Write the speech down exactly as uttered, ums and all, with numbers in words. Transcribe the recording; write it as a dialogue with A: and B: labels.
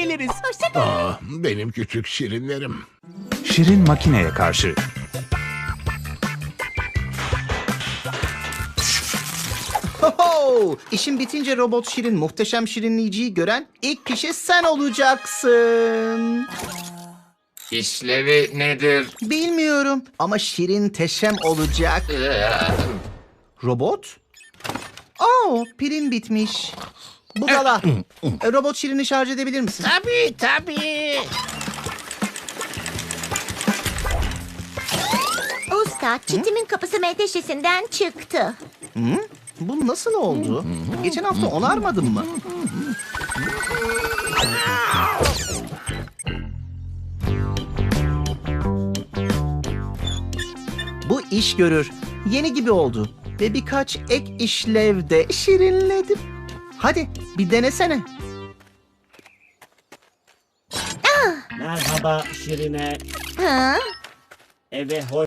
A: geliriz.
B: Hoşça kal.
C: Aa, benim küçük şirinlerim.
D: Şirin makineye karşı.
A: Ho, İşin bitince robot Şirin muhteşem şirinleyiciyi gören ilk kişi sen olacaksın.
E: İşlevi nedir?
A: Bilmiyorum ama Şirin teşem olacak. Robot? Aa, pilin bitmiş. Budala. E, robot Şirin'i şarj edebilir misin?
C: Tabii tabii.
B: Usta, çitimin kapısı menteşesinden çıktı.
A: Bu nasıl oldu? Geçen hafta onarmadın mı? Bu iş görür. Yeni gibi oldu. Ve birkaç ek işlevde şirinledim. Hadi bir denesene.
F: Merhaba Şirine.
B: Ha?
F: Eve hoş